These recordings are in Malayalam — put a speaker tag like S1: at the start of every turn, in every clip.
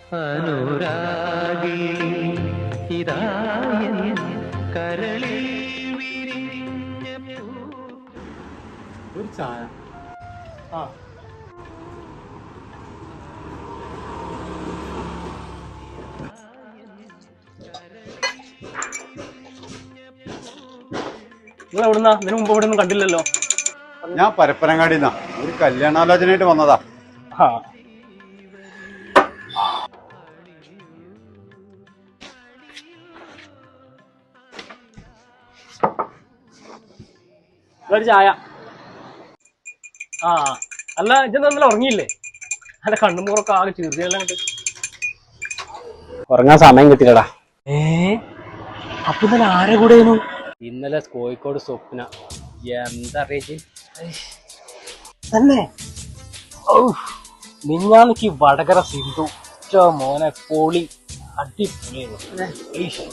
S1: അനുരാഗി ഇതായൻ കരളിൽ വിരിഞ്ഞ
S2: ഒരു ചായ. ആ നിങ്ങൾ എവിടുന്നാ? ഇതിനു മുമ്പ് ഇവിടെ ഒന്നും കണ്ടില്ലല്ലോ.
S3: ഞാൻ പരപ്പനങ്ങാടിന്നാ ഒരു കല്യാണാലോചനയായിട്ട് വന്നതാ.
S2: ആ ഒരു ചായ. ആ അല്ല ഇജ്ജെന്താ ഇന്നലെ ഉറങ്ങിയില്ലേ? അല്ല കണ്ണുമൂറൊക്കെ ആകെ ചെറുതെല്ലാം.
S4: ഉറങ്ങാൻ സമയം കിട്ടില്ലടാ.
S2: അപ്പൊ ഇന്നലെ ആരെ കൂടെയായിരുന്നു?
S4: ഇന്നലെ കോഴിക്കോട് സ്വപ്ന. എന്താ അറിയിച്ച്
S2: തന്നെ മിഞ്ഞാന്നിക്ക് വടകര സിന്ധു മോനെ പൊളി അടിപൊളിയായിരുന്നു.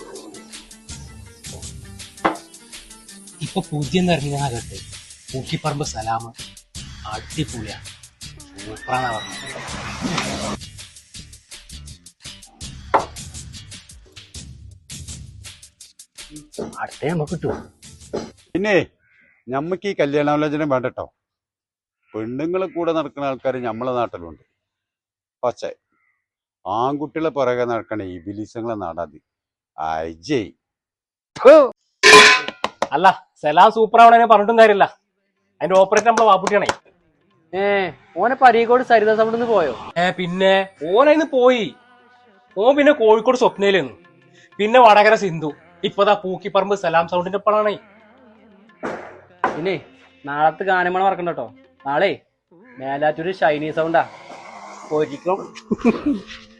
S2: ഇപ്പൊ പൂജ്യം നിറഞ്ഞ കേട്ട് പൂക്കിപ്പറമ്പ് സലാമ് അടിപൊളിയാ, സൂപ്പറാന്നാ പറഞ്ഞത്.
S4: അടുത്ത നമുക്ക് കിട്ടുമോ?
S3: പിന്നെ ഞമ്മക്ക് ഈ കല്യാണാലോചന വേണ്ടട്ടോ. പെണ്ണുങ്ങളെ കൂടെ നടക്കുന്ന ആൾക്കാർ നമ്മളെ നാട്ടിലുണ്ട്. പക്ഷേ ആൺകുട്ടികളെ പുറകെ നടക്കണ ഈ ബിലിസങ്ങളെ നാടാതി അജയ്.
S2: അല്ല സലാം സൂപ്പർ ആവണേ പറഞ്ഞിട്ടും കാര്യമില്ല. അതിന്റെ ഓപ്പറേറ്റർ നമ്മളെ വാപ്പുട്ടിയാണേ.
S4: ഓനെ പരീക്കോട് സരിത സൗണ്ടിന്ന് പോയോ?
S2: പിന്നെ ഓനയിന്ന് പോയി. ഓൻ പിന്നെ കോഴിക്കോട് സ്വപ്നയിലെന്നു, പിന്നെ വടകര സിന്ധു, ഇപ്പതാ പൂക്കിപ്പറമ്പ് സലാം സൗണ്ടിന്റെ ഒപ്പമാണേ.
S4: പിന്നെ നാളത്തെ ഗാനമേള മറക്കണ്ട കേട്ടോ. നാളെ മേലാറ്റൂര് ഷൈനി സൗണ്ടാ. പോയിരിക്കും.